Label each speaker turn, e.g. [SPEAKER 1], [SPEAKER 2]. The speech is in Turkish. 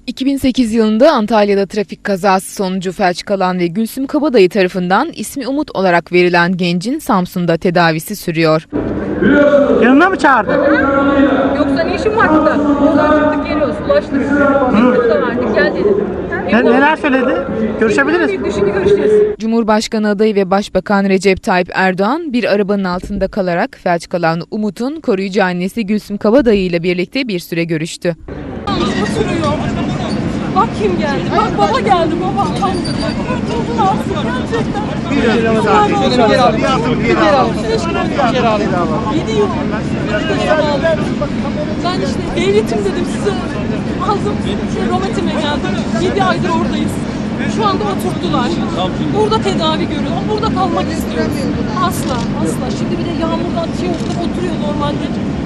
[SPEAKER 1] 2008 yılında Antalya'da trafik kazası sonucu felç kalan ve Gülsüm Kabadayı tarafından ismi Umut olarak verilen gencin Samsun'da tedavisi sürüyor.
[SPEAKER 2] Yanına mı çağırdın?
[SPEAKER 3] Yoksa ne işin var burada? Buradan çıktık geliyoruz, ulaştık. Mektubu da verdik, gel dedim.
[SPEAKER 2] Neler söyledi? Görüşebiliriz.
[SPEAKER 3] Şimdi görüşeceğiz.
[SPEAKER 1] Cumhurbaşkanı adayı ve Başbakan Recep Tayyip Erdoğan bir arabanın altında kalarak felç kalan Umut'un koruyucu annesi Gülsüm Kabadayı ile birlikte bir süre görüştü.
[SPEAKER 3] Oturuyor. Bak kim geldi, bak baba geldi, baba. Kurtuldun aslında gerçekten. Geri al. 7 yıl. Ben işte devletim dedim size. Aldım, Rometime geldim. 7 aydır oradayız. Şu anda oturttular. Burada tedavi görüyorum. Burada kalmak istiyorum. Asla. Şimdi bir de yağmurdan oturuyor normalde.